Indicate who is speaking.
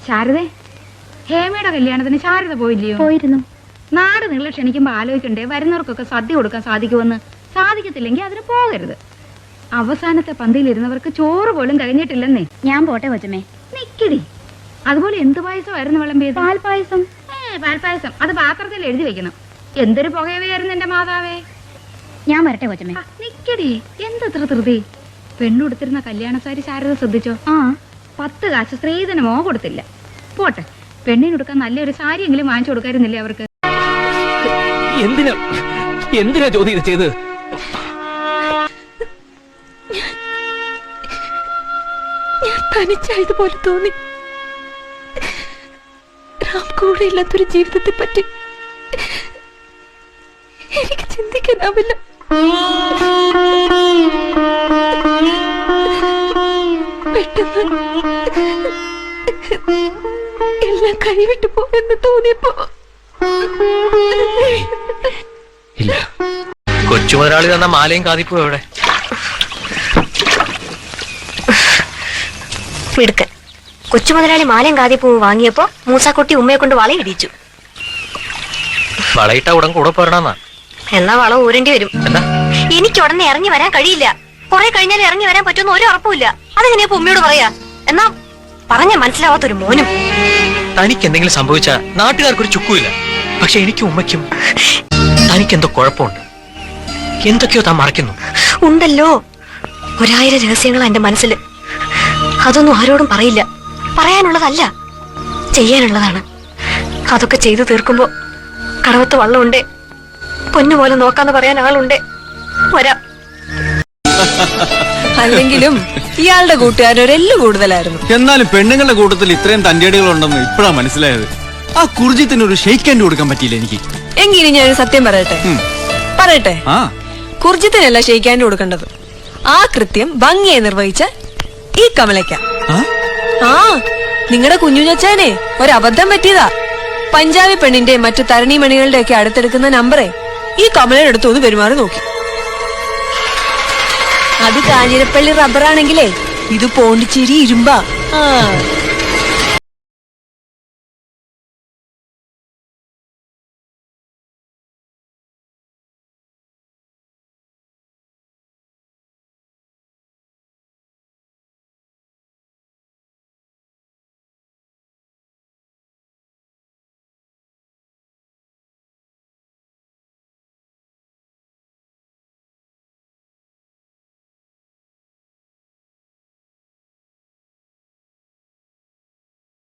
Speaker 1: ശാരദേ, ഹേമയുടെ കല്യാണത്തിന് ശാരദ പോയില്ലയോ?
Speaker 2: പോയിരുന്നു.
Speaker 1: നാട് നിങ്ങൾ ക്ഷണിക്കുമ്പോ ആലോചിക്കണ്ടേ വരുന്നവർക്കൊക്കെ സദ്യ കൊടുക്കാൻ സാധിക്കുമെന്ന്. സാധിക്കത്തില്ലെങ്കിൽ അതിന് പോകരുത്. അവസാനത്തെ പന്തിയിലിരുന്നവർക്ക് ചോറ് പോലും കഴിഞ്ഞിട്ടില്ലെന്നേ.
Speaker 2: ഞാൻ പോട്ടെ കൊച്ചമ്മേ.
Speaker 1: നിക്കടി. അതുപോലെ എന്ത് പായസമായിരുന്നു വിളമ്പിയത്?
Speaker 2: പാൽപായസം.
Speaker 1: പാൽപായസം. അത് പാത്രത്തിൽ എഴുതി വെക്കണം. എന്തൊരു പുകയവയായിരുന്നു എന്റെ മാതാവേ.
Speaker 2: ഞാൻ വരട്ടെ കൊച്ചമ്മേ.
Speaker 1: നിക്കടി, എന്തത്ര ധൃതി. പെണ്ണുടുത്തിരുന്ന കല്യാണസാരി ശാരദ ശ്രദ്ധിച്ചോ? 10 കാശ് സ്ത്രീധനമോ കൊടുത്തില്ല. പോട്ടെ, പെണ്ണിനൊടുക്കാൻ നല്ലൊരു സാരിയെങ്കിലും വാങ്ങിച്ചു കൊടുക്കായിരുന്നില്ലേ അവർക്ക്?
Speaker 3: എന്തിനാ ജ്യോതി ഇത് ചെയ്ത്?
Speaker 4: ഞാൻ തനിച്ചായതുപോലെ തോന്നി. റാം കൂടെ ഇല്ലാത്തൊരു ജീവിതത്തെ പറ്റി എനിക്ക് ചിന്തിക്കാനാവില്ല. പെട്ടെന്ന് എല്ലാം കൈവിട്ടു പോയെന്ന് തോന്നിയപ്പോ
Speaker 3: ഇല്ല, കൊച്ചു മുതലാളി തന്ന മാലയും കാതിപ്പോ എവിടെ?
Speaker 5: മിടുക്കൻ. കൊച്ചു മുതലാളി മാലയും കാതിപ്പൂവും വാങ്ങിയപ്പോ മൂസാക്കുട്ടി ഉമ്മയെ കൊണ്ട് വളയിടിച്ചു.
Speaker 3: വളയിട്ട ഉടൻ കൂടെ പോരണമെന്നാ.
Speaker 5: എന്നാ വളം ഊരേണ്ടി വരും.
Speaker 3: എന്താ?
Speaker 5: എനിക്ക് ഉടനെ ഇറങ്ങി വരാൻ കഴിയില്ല. കുറെ കഴിഞ്ഞാൽ ഇറങ്ങി വരാൻ പറ്റുമെന്ന് ഒരു ഉറപ്പുമില്ല. അതെങ്ങനെയാ ഉമ്മയോട് പറയാ? എന്നാ പറഞ്ഞ മനസ്സിലാവാത്തൊരു മോനും.
Speaker 3: തനിക്ക് എന്തെങ്കിലും സംഭവിച്ച നാട്ടുകാർക്കൊരു ചുക്കുമില്ല. പക്ഷെ എനിക്കും ഉമ്മയ്ക്കും തനിക്കെന്തോ കുഴപ്പമുണ്ട്. എന്തൊക്കെയോ താൻ മറക്കുന്നു.
Speaker 5: ഉണ്ടല്ലോ, 1000 രഹസ്യങ്ങളാ എന്റെ മനസ്സിൽ. അതൊന്നും ആരോടും പറയില്ല. പറയാനുള്ളതല്ല, ചെയ്യാനുള്ളതാണ്. അതൊക്കെ ചെയ്തു തീർക്കുമ്പോ കടവത്ത് വള്ളമുണ്ടേ, പൊന്നുപോലെ നോക്കാന്ന് പറയാൻ ആളുണ്ടേ. വരാം.
Speaker 4: അല്ലെങ്കിലും ഇയാളുടെ കൂട്ടുകാരൊരെല്ലു കൂടുതലായിരുന്നു.
Speaker 6: എന്നാലും പെണ്ണുങ്ങളുടെ കൂട്ടത്തിൽ ഇത്രയും തന്റേടികളുണ്ടെന്ന് ഇപ്പഴാ മനസ്സിലായത്. ആ കുർജിത്തിന് ഒരു ഷെയ്ക്ക് ഹാൻഡ് കൊടുക്കാൻ പറ്റിയില്ല എനിക്ക്.
Speaker 4: എങ്കിലും ഞാനൊരു സത്യം പറയട്ടെ. കുർജിത്തിനല്ല ഷെയ്ക്ക് ഹാൻഡ് കൊടുക്കേണ്ടത്. ആ കൃത്യം ഭംഗിയെ നിർവഹിച്ച ഈ കമലയ്ക്ക. നിങ്ങളുടെ കുഞ്ഞുഞ്ഞച്ചാനെ ഒരബദ്ധം പറ്റിയതാ. പഞ്ചാബി പെണ്ണിന്റെ മറ്റു തരണീമണികളുടെ ഒക്കെ അടുത്തെടുക്കുന്ന നമ്പറേ ഈ കമലയുടെ അടുത്ത് ഒന്ന് പെരുമാറി നോക്കി. അത് കാഞ്ഞിരപ്പള്ളി റബ്ബറാണെങ്കിലേ ഇത് പോണ്ടിച്ചേരി ഇരുമ്പാ.